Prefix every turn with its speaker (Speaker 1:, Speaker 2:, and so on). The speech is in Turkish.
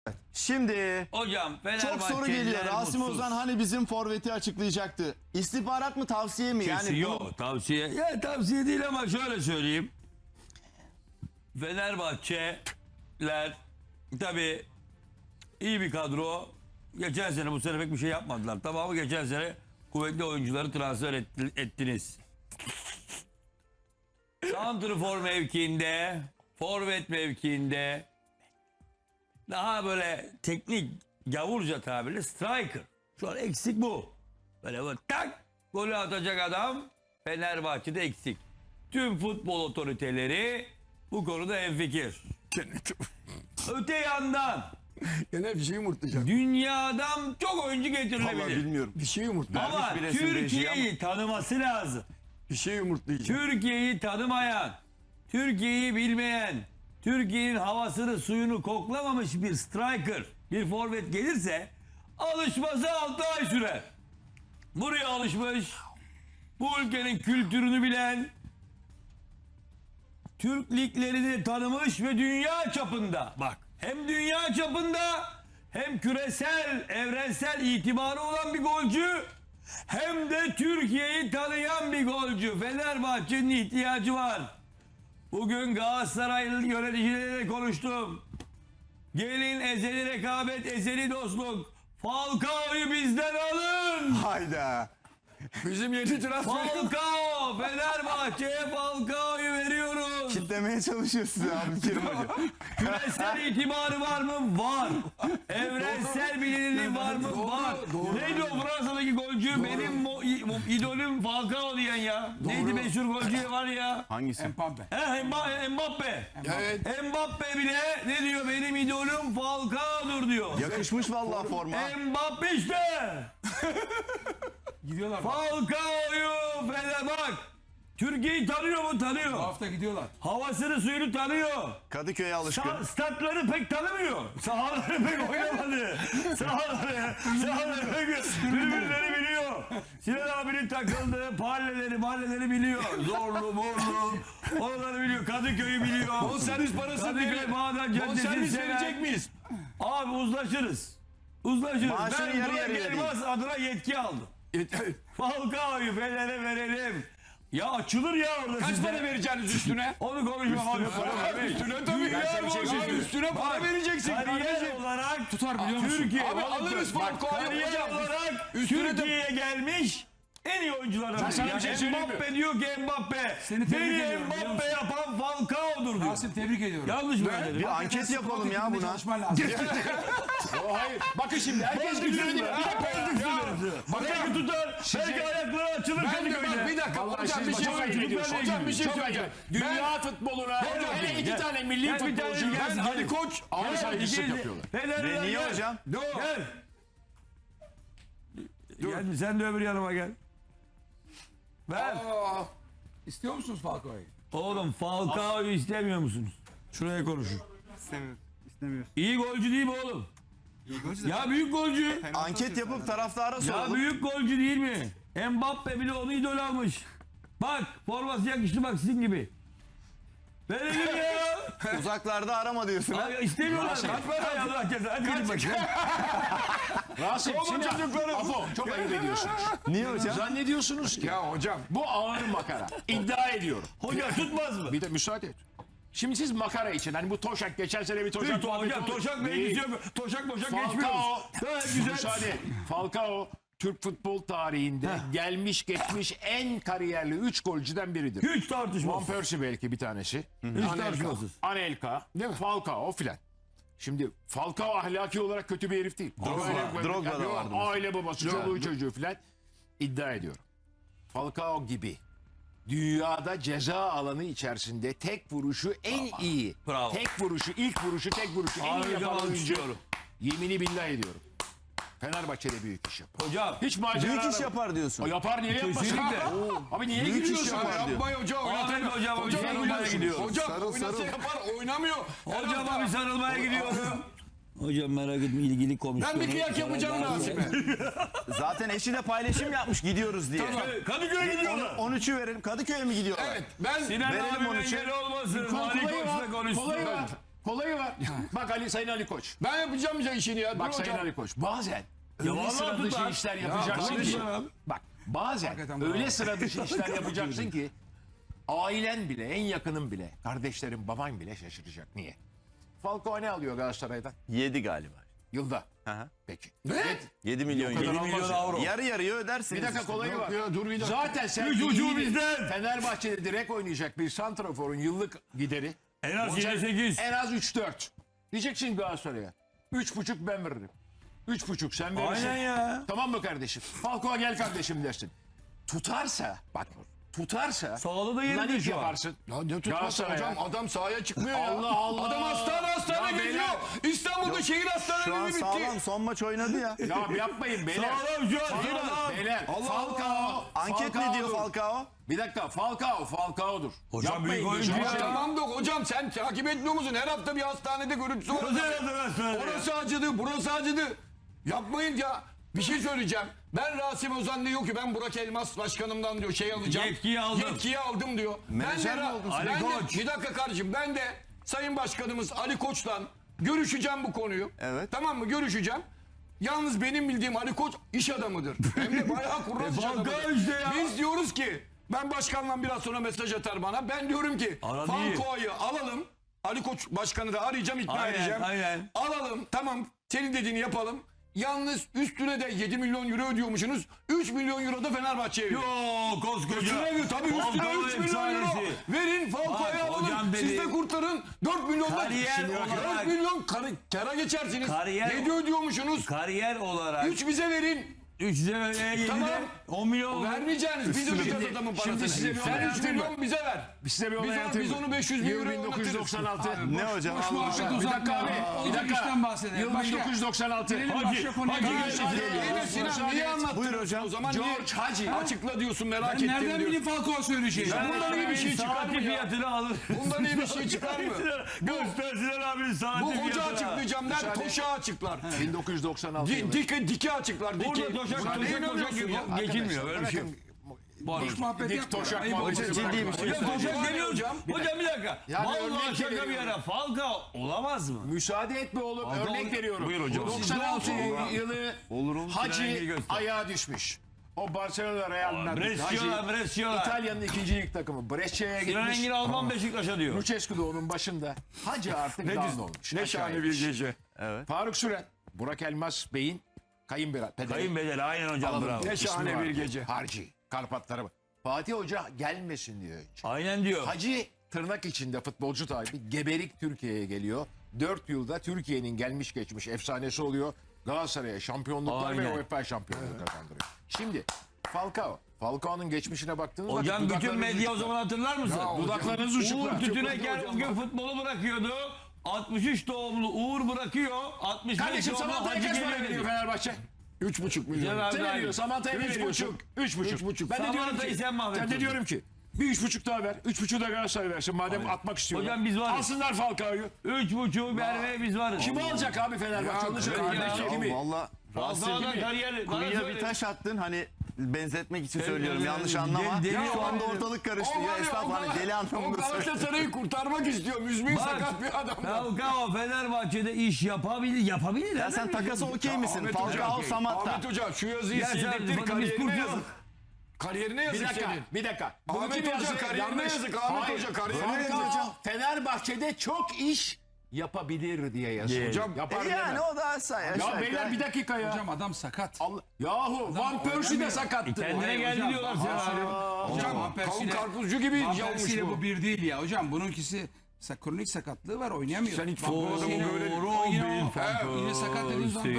Speaker 1: Şimdi
Speaker 2: Hocam
Speaker 1: çok soru geliyor. Rasim Ozan hani bizim forveti açıklayacaktı. İstihbarat mı tavsiye mi? Yani
Speaker 2: yok tavsiye. Ya tavsiye değil ama şöyle söyleyeyim. Fenerbahçeler tabii iyi bir kadro. Geçen sene bu sene pek bir şey yapmadılar. Tamam, geçen sene kuvvetli oyuncuları transfer ettiniz. Santrfor mevkiinde, forvet mevkiinde daha böyle teknik gavurca tabirle striker. Şu an eksik bu. Böyle tak golü atacak adam Fenerbahçe'de eksik. Tüm futbol otoriteleri bu konuda hemfikir. Öte yandan
Speaker 3: Gene bir şey yumurtlayacak.
Speaker 2: dünyadan çok oyuncu
Speaker 1: vallahi
Speaker 2: getirilebilir.
Speaker 1: bilmiyorum.
Speaker 3: Bir şey yumurtlayacak.
Speaker 2: Ama
Speaker 1: bir resim reji
Speaker 2: Türkiye'yi tanıması lazım.
Speaker 3: Bir şey yumurtlayacak.
Speaker 2: Türkiye'yi tanımayan, Türkiye'yi bilmeyen, Türkiye'nin havasını suyunu koklamamış bir striker, bir forvet gelirse alışması 6 ay sürer. Buraya alışmış, bu ülkenin kültürünü bilen, Türk liglerini tanımış ve dünya çapında, bak hem dünya çapında hem küresel, evrensel itibarı olan bir golcü, hem de Türkiye'yi tanıyan bir golcü. Fenerbahçe'nin ihtiyacı var. Bugün Galatasaraylı yöneticileriyle konuştum. Gelin, ezeli rekabet, ezeli dostluk. Falcao'yu bizden alın.
Speaker 1: Hayda.
Speaker 3: Bizim yeni transfer.
Speaker 2: Falcao, Fenerbahçe'ye Falcao'yu veriyoruz.
Speaker 1: Kitlemeye çalışıyor size abi Kerim Hoca.
Speaker 2: Küresel itibarı var mı? Var. Evrensel bilinirliği var mı? Var. Neydi o Fransa'daki golcü? Benim idolüm Falcao diyen ya. Neydi meşhur golcü var ya?
Speaker 1: Hangisi?
Speaker 3: Mbappe.
Speaker 2: Mbappe.
Speaker 3: Evet.
Speaker 2: Mbappe bile ne diyor? Benim idolüm Falcao'dur diyor.
Speaker 1: Yakışmış vallahi forma.
Speaker 2: Mbappe işte.
Speaker 3: Gidiyorlar.
Speaker 2: Falcao'yu bak. Türkiye'yi tanıyor mu? Tanıyor.
Speaker 3: Bu hafta gidiyorlar.
Speaker 2: Havasını suyunu tanıyor.
Speaker 1: Kadıköy'e alışkın.
Speaker 2: Statları pek tanımıyor. Sahaları pek oynamadı. Sahaları pek tribünleri biliyor. Sinan abinin takıldığı mahalleleri biliyor. Zorlu, morlu. Oraları biliyor. Kadıköy'ü biliyor.
Speaker 3: Bonservis parası
Speaker 2: Kadıköy Bağdat Caddesi'ni
Speaker 3: Bonservis
Speaker 2: seven.
Speaker 3: verecek miyiz?
Speaker 2: Abi uzlaşırız. Uzlaşırız.
Speaker 1: Maaşını
Speaker 2: Ben
Speaker 1: yarı
Speaker 2: Burak
Speaker 1: yarıya
Speaker 2: Elmas adına yetki aldım. Falcao'yu Fener'e verelim. Ya açılır ya orada
Speaker 3: Kaç
Speaker 2: sizde.
Speaker 3: para vereceksiniz üstüne?
Speaker 2: Onu konuşma abi.
Speaker 3: Üstüne tabii. Üstüne para vereceksin
Speaker 2: Kariyer
Speaker 3: kardeşim.
Speaker 2: olarak
Speaker 3: Tutar biliyor musun?
Speaker 2: Türkiye
Speaker 3: Abi alırız Falcao'yu
Speaker 2: kariyer
Speaker 3: hocam.
Speaker 2: olarak
Speaker 3: Üstüne de-
Speaker 2: Türkiye'ye gelmiş en iyi oyunculardan biri.
Speaker 3: sana bir şey söyleyeyim mi?
Speaker 2: Mbappe diyor ki Mbappe.
Speaker 4: Seni tebrik
Speaker 2: Beni
Speaker 4: ediyorum, biliyor
Speaker 2: Mbappe
Speaker 4: musun?
Speaker 2: yapan Falcao'dur diyor.
Speaker 4: Rasim tebrik ediyorum.
Speaker 2: Yanlış mı dedim?
Speaker 1: Bir anket yapalım ya buna.
Speaker 4: Çalışman lazım.
Speaker 3: Hayır. Bakın şimdi herkes gidiyor. Bir dakika.
Speaker 2: Belki tutar. Belki ayakları açılır
Speaker 3: Ben de bak
Speaker 2: Kadıköy'de.
Speaker 3: bir dakika.
Speaker 4: Vallahi
Speaker 3: Hocam
Speaker 4: siz
Speaker 3: bir şey
Speaker 4: çok
Speaker 3: söyleyeceğim.
Speaker 2: ayıp
Speaker 3: Hocam bir şey
Speaker 2: çok
Speaker 3: söyleyeceğim. Dünya futboluna hele iki
Speaker 2: Gel.
Speaker 3: tane milli
Speaker 2: Gel, bir tane
Speaker 3: futbolcu.
Speaker 2: gel,
Speaker 3: Ben
Speaker 2: gel.
Speaker 3: Ali Koç ağır saygısızlık yapıyorlar.
Speaker 2: Fener'e
Speaker 1: Niye
Speaker 2: gel.
Speaker 1: hocam?
Speaker 2: Gel. Gel sen de öbür yanıma gel. Ver.
Speaker 4: İstiyor musunuz Falcao'yu?
Speaker 2: Oğlum Falcao'yu istemiyor musunuz? Şuraya konuşun.
Speaker 5: İstemiyoruz.
Speaker 2: İyi golcü değil mi oğlum? Ya büyük golcü.
Speaker 1: Anket yapıp taraftara
Speaker 2: Ya
Speaker 1: soralım.
Speaker 2: büyük golcü değil mi? Mbappe bile onu idol almış. Bak forması yakıştı bak sizin gibi. Verelim ya.
Speaker 1: Uzaklarda arama diyorsun. ha?
Speaker 2: Ay, istemiyorlar. Kaç para ya Allah cezası. Hadi gidin bakayım.
Speaker 3: Rasim şimdi Afo çok ayıp ediyorsunuz.
Speaker 1: Niye hocam?
Speaker 3: Zannediyorsunuz ki ya hocam bu ağır makara. İddia ediyorum.
Speaker 2: Hoca tutmaz mı?
Speaker 3: Bir de müsaade et. Şimdi siz makara için hani bu Toşak geçen sene bir Toşak
Speaker 2: Hocam Toşak mevkisi yok. Toşak geçmiyoruz.
Speaker 3: Falcao
Speaker 2: Gayet güzel.
Speaker 3: müsaade et. Falcao Türk futbol tarihinde gelmiş geçmiş en kariyerli 3 golcüden biridir.
Speaker 2: Hiç
Speaker 3: Van
Speaker 2: tartışmaz.
Speaker 3: Persie belki bir tanesi.
Speaker 2: Hiç tartışmasız.
Speaker 3: Anelka, Falcao filan. Şimdi Falcao ahlaki olarak kötü bir herif değil.
Speaker 1: Drogba da vardı mesela.
Speaker 3: Aile babası, çoluğu çocuğu filan. İddia ediyorum. Falcao gibi dünyada ceza alanı içerisinde tek vuruşu en iyi.
Speaker 2: Bravo.
Speaker 3: Tek vuruşu, ilk vuruşu, tek vuruşu en iyi
Speaker 2: Hocam
Speaker 3: yapan oyuncu.
Speaker 2: alkışlıyorum.
Speaker 3: Yemini billah ediyorum. Fenerbahçe'de büyük iş yapar.
Speaker 2: Hocam.
Speaker 3: Hiç macera
Speaker 1: Büyük iş
Speaker 3: arama.
Speaker 1: yapar diyorsun.
Speaker 3: O yapar niye yapmasın?
Speaker 2: Kesinlikle.
Speaker 3: Abi niye
Speaker 1: Büyük iş
Speaker 3: gülüyorsun?
Speaker 1: yapar diyor.
Speaker 3: Yapmayın hocam.
Speaker 2: Ahmet hocam sarılmaya gidiyorum.
Speaker 3: Hocam
Speaker 1: Sarıl,
Speaker 3: oynasa
Speaker 1: sarıl.
Speaker 3: yapar oynamıyor.
Speaker 2: Hocama bir sarılmaya gidiyorum. Hocam merak etme ilgili komisyonu.
Speaker 3: Ben bir kıyak yapacağım Rasim'e.
Speaker 1: Zaten eşi de paylaşım yapmış gidiyoruz diye.
Speaker 2: Kadıköy'e gidiyorlar.
Speaker 1: 13'ü verelim. Kadıköy'e mi gidiyorlar?
Speaker 3: Evet ben
Speaker 2: Sinan
Speaker 1: Verelim
Speaker 2: abinin
Speaker 1: onu için.
Speaker 2: engeli olmasın. Ali
Speaker 3: kolayı
Speaker 2: Koç'la
Speaker 3: var.
Speaker 2: konuşsun.
Speaker 3: Kolayı var. Kolayı var. Bak Sayın Ali Koç.
Speaker 4: Ben yapacağım ya işini ya.
Speaker 3: Bak
Speaker 4: Dur
Speaker 3: Sayın
Speaker 4: hocam.
Speaker 3: Ali Koç. Bazen öyle
Speaker 2: vallahi
Speaker 3: sıra dışı
Speaker 2: tutar.
Speaker 3: işler
Speaker 4: Ya,
Speaker 3: yapacaksın
Speaker 4: tamam
Speaker 3: ki.
Speaker 4: işte abi.
Speaker 3: Bak bazen
Speaker 4: Hakikaten
Speaker 3: öyle
Speaker 4: bravo.
Speaker 3: sıra dışı işler yapacaksın ki ailen bile, en yakının bile, kardeşlerin, baban bile şaşıracak. Niye? Falcao ne alıyor Galatasaray'dan?
Speaker 1: 7 galiba.
Speaker 3: Yılda.
Speaker 1: Aha.
Speaker 3: Peki.
Speaker 4: Ne?
Speaker 1: 7 milyon
Speaker 3: kadar
Speaker 1: euro.
Speaker 3: olmaz
Speaker 2: 7 milyon
Speaker 3: ya.
Speaker 2: avro.
Speaker 1: Yarı yarıya ödersiniz.
Speaker 3: Bir dakika
Speaker 1: işte.
Speaker 3: kolayı var.
Speaker 4: Ya dur bir dakika.
Speaker 3: Zaten sen
Speaker 2: Üç ucu
Speaker 3: iyi bir
Speaker 2: bizden.
Speaker 3: Fenerbahçe'de direkt oynayacak bir santraforun yıllık gideri
Speaker 2: En az
Speaker 3: olacak
Speaker 2: 7-8.
Speaker 3: en az 3-4. Diyeceksin Galatasaray'a. 3,5 ben veririm. 3,5 sen verirsin.
Speaker 2: Aynen ya.
Speaker 3: Tamam mı kardeşim? Falcao gel kardeşim dersin. Tutarsa bak tutarsa
Speaker 2: Sağlığı da yerinde
Speaker 3: nanik
Speaker 2: şu an.
Speaker 3: yaparsın.
Speaker 4: Ya ne tutması
Speaker 3: Galatasaray'a.
Speaker 4: hocam? Adam sahaya çıkmıyor ya.
Speaker 3: Allah Allah.
Speaker 4: Adam hastane
Speaker 3: Ya
Speaker 4: geziyor.
Speaker 3: beyler.
Speaker 4: İstanbul'da şehir
Speaker 1: Şu an
Speaker 4: hastaneleri bitti.
Speaker 1: sağlam, son maç oynadı ya.
Speaker 3: Ya yapmayın beyler.
Speaker 2: Sağlam şu an sağlam.
Speaker 3: Beyler.
Speaker 4: Allah
Speaker 3: Falcao.
Speaker 1: Anket ne diyor Falcao?
Speaker 3: Bir dakika Falcao'dur.
Speaker 2: Hocam
Speaker 3: Yapmayın
Speaker 2: büyük oyuncu
Speaker 3: gözünü
Speaker 2: ya.
Speaker 3: seveyim.
Speaker 4: Tamam da hocam sen takip etmiyor musun? Her hafta bir hastanede görüntüsü var. Orası acıdı, burası acıdı. Yapmayın ya. Bir şey söyleyeceğim. Ben Rasim Ozan diyor ki ben Burak Elmas başkanımdan diyor şey alacağım.
Speaker 2: Yetkiyi aldım.
Speaker 4: Yetkiyi aldım diyor.
Speaker 1: Menajer mi oldun sen?
Speaker 2: Ali
Speaker 4: ben de,
Speaker 2: Koç.
Speaker 4: bir dakika kardeşim ben de Sayın Başkanımız Ali Koç'tan görüşeceğim bu konuyu.
Speaker 1: Evet.
Speaker 4: Tamam mı? Görüşeceğim. Yalnız benim bildiğim Ali Koç iş adamıdır. Hem de bayağı kurnaz iş
Speaker 2: Falcao
Speaker 4: adamıdır.
Speaker 2: işte ya.
Speaker 4: Biz diyoruz ki ben başkanla biraz sonra mesaj atar bana. Ben diyorum ki
Speaker 2: Ara değil.
Speaker 4: Falcao'yu alalım. Ali Koç başkanı da arayacağım, ikna
Speaker 2: Aynen,
Speaker 4: edeceğim.
Speaker 2: aynen.
Speaker 4: Alalım, tamam. Senin dediğini yapalım. Yalnız üstüne de 7 milyon euro ödüyormuşsunuz. 3 milyon euro da Fenerbahçe'ye verin.
Speaker 2: Yok koskoca.
Speaker 4: Üstüne tabii üstüne
Speaker 2: Falcao
Speaker 4: 3 milyon euro.
Speaker 2: efsanesi.
Speaker 4: Verin
Speaker 2: Bak,
Speaker 4: Falcao'yu
Speaker 2: hocam
Speaker 4: alalım.
Speaker 2: dedi-
Speaker 4: Siz de kurtarın. 4 milyondan.
Speaker 2: Kariyer
Speaker 4: Şimdi bak,
Speaker 2: olarak-
Speaker 4: 4 milyon kara geçersiniz.
Speaker 2: Kariyer-
Speaker 4: 7 ödüyormuşsunuz.
Speaker 2: Kariyer olarak
Speaker 4: 3 bize verin.
Speaker 2: 3 7'de
Speaker 4: Tamam.
Speaker 2: 10 milyon.
Speaker 4: Vermeyeceğiniz. Biz ödeyeceğiz adamın parasını.
Speaker 3: şimdi size bir olay
Speaker 4: Sen 3
Speaker 3: anlatayım mı?
Speaker 4: milyon bize ver.
Speaker 3: Size bir olay
Speaker 4: Biz
Speaker 3: anlatayım mı?
Speaker 4: onu 500 bin
Speaker 3: Yıl
Speaker 4: euro oynatırız.
Speaker 3: 1996.
Speaker 1: Ne hocam?
Speaker 5: Boş
Speaker 1: Allah
Speaker 5: muhabbet
Speaker 1: Allah.
Speaker 3: Bir dakika
Speaker 5: uzatma.
Speaker 3: abi. Bir
Speaker 5: Olacak
Speaker 3: dakika.
Speaker 5: işten bahsedelim.
Speaker 3: Yıl
Speaker 5: Başka.
Speaker 3: 1996.
Speaker 5: Gelelim
Speaker 2: Hacı,
Speaker 5: başka konuya.
Speaker 2: Hacı
Speaker 5: Gelelim.
Speaker 2: geçti.
Speaker 4: İyi de Sinan niye anlattın?
Speaker 1: Buyur hocam.
Speaker 4: O zaman
Speaker 3: George
Speaker 4: niye?
Speaker 3: Hacı.
Speaker 4: Açıkla diyorsun merak
Speaker 5: Ben
Speaker 4: ettim
Speaker 5: nereden
Speaker 4: diyor.
Speaker 5: bileyim Falcao söyleyeceği?
Speaker 2: Ben
Speaker 4: bundan iyi bir şey çıkar
Speaker 2: saati
Speaker 4: mı ya?
Speaker 2: fiyatını alır.
Speaker 4: Bundan iyi bir şey çıkar mı?
Speaker 2: Göstersinler abinin saati
Speaker 4: Bu
Speaker 2: fiyatını.
Speaker 4: hoca açıklayacağım der, Toşa açıklar.
Speaker 3: 1996 yılı.
Speaker 4: Dike açıklar.
Speaker 2: Burada
Speaker 4: Dike.
Speaker 2: toşak
Speaker 4: Buna
Speaker 2: toşak
Speaker 4: inanıyorsun ya.
Speaker 2: toşak geçilmiyor. Böyle bir şey yok.
Speaker 5: Boş muhabbet
Speaker 3: Dik
Speaker 5: yapma.
Speaker 3: toşak
Speaker 5: Ayıp
Speaker 3: muhabbeti.
Speaker 5: olacak.
Speaker 1: Ciddi bir şey.
Speaker 2: Hocam toşak demiyor
Speaker 4: hocam.
Speaker 2: hocam. Bir dakika.
Speaker 3: Yani
Speaker 2: Vallahi
Speaker 3: örnek
Speaker 2: şaka bir
Speaker 3: veriyorum.
Speaker 2: yana. Falcao olamaz mı?
Speaker 3: Müsaade etme oğlum. Örnek veriyorum.
Speaker 2: Buyur hocam.
Speaker 3: 96 yılı
Speaker 1: Olur olur.
Speaker 3: Hacı
Speaker 2: Rengi göster.
Speaker 3: ayağa düşmüş. O Barcelona Real Madrid.
Speaker 2: Brescia, Brescia.
Speaker 3: İtalya'nın ikinci lig takımı. Brescia'ya
Speaker 2: Sinan
Speaker 3: gitmiş.
Speaker 2: Engin Alman Beşiktaş'a diyor.
Speaker 3: Lucescu da onun başında. Hacı artık down olmuş.
Speaker 4: Ne
Speaker 3: Aşağı
Speaker 4: şahane
Speaker 3: inmiş.
Speaker 4: bir gece.
Speaker 3: Faruk Süren. Burak Elmas Bey'in kayınbirader.
Speaker 2: Kayınbedeli aynen hocam bravo.
Speaker 4: Ne şahane
Speaker 3: İsmi
Speaker 4: bir
Speaker 3: vardı.
Speaker 4: gece.
Speaker 3: Harcı. Karpatlara bak. Fatih Hoca gelmesin diyor önce.
Speaker 2: Aynen diyor.
Speaker 3: Hacı tırnak içinde futbolcu tabi geberik Türkiye'ye geliyor. 4 yılda Türkiye'nin gelmiş geçmiş efsanesi oluyor. Galatasaray'a şampiyonluklar ve
Speaker 2: Aynen.
Speaker 3: UEFA şampiyonluğu kazandırıyor. Şimdi Falcao'nun geçmişine baktığınız
Speaker 2: Hocam
Speaker 3: vakit
Speaker 2: bütün medya o zaman hatırlar mısın?
Speaker 3: dudaklarınız
Speaker 2: Uğur
Speaker 3: uçuklar.
Speaker 2: Tütüneker o gün futbolu bırakıyordu. 63 doğumlu Uğur bırakıyor. 65
Speaker 3: Kardeşim
Speaker 2: doğumlu
Speaker 3: Samatta'ya
Speaker 2: Hacı
Speaker 3: kaç para
Speaker 2: geliyor
Speaker 3: veriyor
Speaker 2: dedi.
Speaker 3: Fenerbahçe?
Speaker 4: 3,5 milyon.
Speaker 2: Cenab-ı
Speaker 3: Sen ne
Speaker 2: Hak.
Speaker 3: diyorsun? Samatta'ya ne
Speaker 4: 3,5.
Speaker 3: veriyorsun? 3,5. Ben de diyorum
Speaker 2: Samatta'yı
Speaker 3: ki,
Speaker 2: sen mahvettin.
Speaker 3: ben de diyorum ki bir 3,5 daha ver. 3,5 da Galatasaray versin madem atmak istiyorlar.
Speaker 2: Hocam biz varız.
Speaker 3: Alsınlar Falcao'yu.
Speaker 2: 3,5 vermeye biz varız.
Speaker 3: Kimi alacak abi Fenerbahçe? Onu söyle.
Speaker 2: kardeşim.
Speaker 3: Kimi?
Speaker 1: Valla
Speaker 2: Falcao'dan kariyer. bana
Speaker 1: kuyuya
Speaker 2: söyle.
Speaker 1: bir taş attın hani benzetmek için
Speaker 2: Deli-
Speaker 1: söylüyorum yanlış anlama.
Speaker 2: deli-
Speaker 1: Şu anda
Speaker 2: deli-
Speaker 1: ortalık karıştı
Speaker 4: O
Speaker 1: ya
Speaker 4: var ya,
Speaker 1: esnaf
Speaker 4: o
Speaker 1: hani deli
Speaker 4: O
Speaker 1: anlamında söylüyorum.
Speaker 4: Galatasaray'ı kurtarmak istiyor. Müzmin
Speaker 2: Bak,
Speaker 4: sakat bir adam.
Speaker 2: Falcao Fenerbahçe'de iş yapabilir. Yapabilir.
Speaker 1: Ya sen takası okey misin?
Speaker 4: Ahmet
Speaker 1: Falcao
Speaker 4: Hoca,
Speaker 1: Samatta.
Speaker 4: Ahmet Hoca şu yazıyı
Speaker 2: Ya sen
Speaker 4: sildirtir
Speaker 2: biz
Speaker 4: kariyerine
Speaker 2: kurtulalım.
Speaker 4: yazık. Kariyerine
Speaker 3: Bir
Speaker 4: yazık
Speaker 3: dakika,
Speaker 4: senin.
Speaker 3: bir dakika. Bunu
Speaker 4: Ahmet
Speaker 3: kim
Speaker 4: Hoca
Speaker 3: yazdı?
Speaker 4: kariyerine
Speaker 3: Yanlış.
Speaker 4: yazık. Ahmet
Speaker 3: Hayır.
Speaker 4: Hoca kariyerine
Speaker 3: Falcao
Speaker 4: yazık.
Speaker 3: Fenerbahçe'de çok iş yapabilir diye yazıyor.
Speaker 4: Hocam,
Speaker 3: yapar
Speaker 1: Yani
Speaker 3: deme.
Speaker 1: o da aşağı
Speaker 3: Ya beyler bir dakika ya.
Speaker 5: Hocam adam sakat.
Speaker 3: Allah, yahu Van Persie de sakattı.
Speaker 2: Kendine geldi
Speaker 5: hocam,
Speaker 2: diyorlar sana.
Speaker 5: Hocam
Speaker 4: Kavun
Speaker 5: Persi'yle
Speaker 4: karpuzcu gibi
Speaker 5: Van
Speaker 4: yanmış
Speaker 5: Persie'yle
Speaker 4: bu.
Speaker 5: bu bir değil ya. Hocam bununkisi kronik sakatlığı var oynayamıyor.
Speaker 4: Sen hiç
Speaker 5: Van
Speaker 4: bu adamı
Speaker 5: Persie'yle
Speaker 4: böyle-
Speaker 5: yine
Speaker 2: Robin
Speaker 5: o- yine sakat dediğin zaman